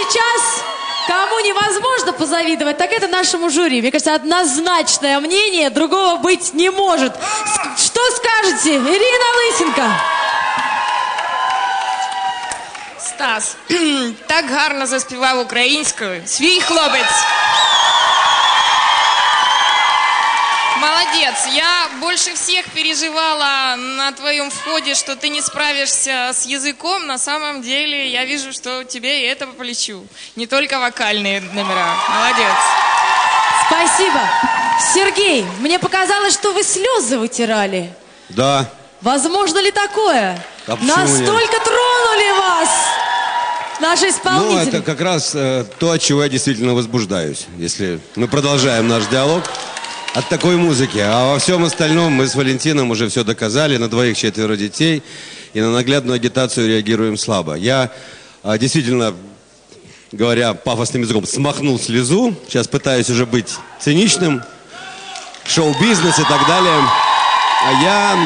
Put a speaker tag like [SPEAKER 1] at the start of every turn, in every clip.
[SPEAKER 1] сейчас кому невозможно позавидовать, так это нашему жюри. Мне кажется, однозначное мнение, другого быть не может. Что скажете, Ірина Лисенко?
[SPEAKER 2] Стас, так гарно заспівав українською. Свій хлопець. Молодец. Я больше всех переживала на твоем входе, что ты не справишься с языком. На самом деле, я вижу, что тебе и это по плечу. Не только вокальные номера. Молодец.
[SPEAKER 1] Спасибо. Сергей, мне показалось, что вы слезы вытирали.
[SPEAKER 3] Да.
[SPEAKER 1] Возможно ли такое? Настолько тронули вас наши исполнители.
[SPEAKER 3] Ну, это как раз то, от чего я действительно возбуждаюсь. Если мы продолжаем наш диалог от такой музыки. А во всем остальном мы с Валентином уже все доказали. На 2 4 детей. И на наглядную агитацию реагируем слабо. Я действительно, говоря пафосным языком, смахнул слезу. Сейчас пытаюсь уже быть циничным. Шоу-бизнес и так далее. А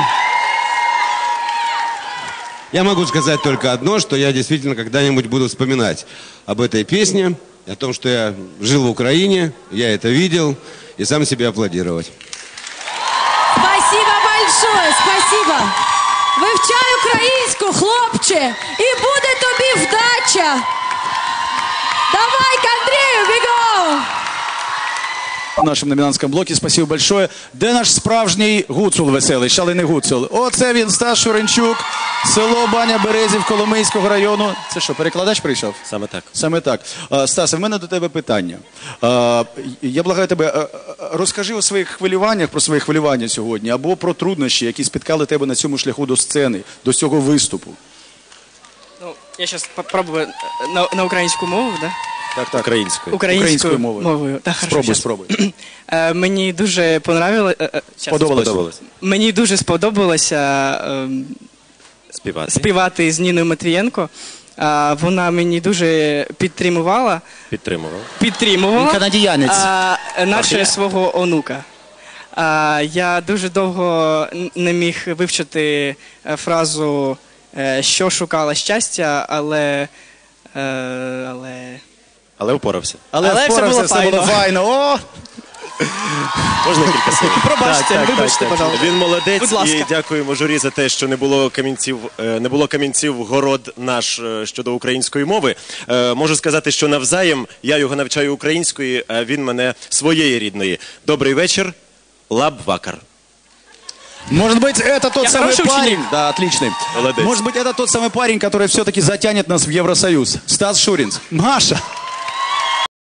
[SPEAKER 3] я могу сказать только одно, что я действительно когда-нибудь буду вспоминать об этой песне, о том, что я жил в Украине, я это видел, и сам себе аплодировать.
[SPEAKER 1] Спасибо большое, спасибо. Вивчай українську, хлопче, і буде тобі вдача. Давай к Андрею, бігом!
[SPEAKER 4] В нашому номінантському блокі. Спасибо большое. Де наш справжній гуцул веселий, шалений гуцул? Оце він, Стас Шуренчук, село Баня Березів Коломийського району. Це що, перекладач прийшов?
[SPEAKER 5] Саме так.
[SPEAKER 4] Саме так. Стасе, в мене до тебе питання. Я благаю тебе, розкажи о своїх хвилюваннях, про свої хвилювання сьогодні, або про труднощі, які спіткали тебе на цьому шляху до сцени, до цього виступу.
[SPEAKER 6] Ну, я сейчас попробую на українську мову, да?
[SPEAKER 4] Так.
[SPEAKER 6] Українською мовою. Так,
[SPEAKER 4] спробуй.
[SPEAKER 6] Мені дуже
[SPEAKER 4] Подобалось.
[SPEAKER 6] Мені дуже сподобалося співати з Ніною Матвієнко. Вона мені дуже підтримувала. Підтримувала.
[SPEAKER 4] Канадіянець.
[SPEAKER 6] Наче свого онука. Я дуже довго не міг вивчити фразу «що шукала щастя»,
[SPEAKER 5] Але впорався.
[SPEAKER 6] Але все було файно.
[SPEAKER 4] О!
[SPEAKER 5] Можна кілька слів?
[SPEAKER 6] Пробачте, вибачте, пожалуйста.
[SPEAKER 5] Він молодець,
[SPEAKER 6] Будь ласка.
[SPEAKER 5] і дякуємо журі за те, що не було камінців в город наш щодо української мови. Можу сказати, що навзаєм я його навчаю української, а він мене своєї рідної. Добрий вечір, лаб-вакар.
[SPEAKER 4] Может быть, это тот самый парень...
[SPEAKER 6] ученик.
[SPEAKER 4] Да, отличный.
[SPEAKER 5] Молодец.
[SPEAKER 4] Может быть, это тот самый парень, который все-таки затянет нас в Евросоюз. Стас Шуринц. Маша!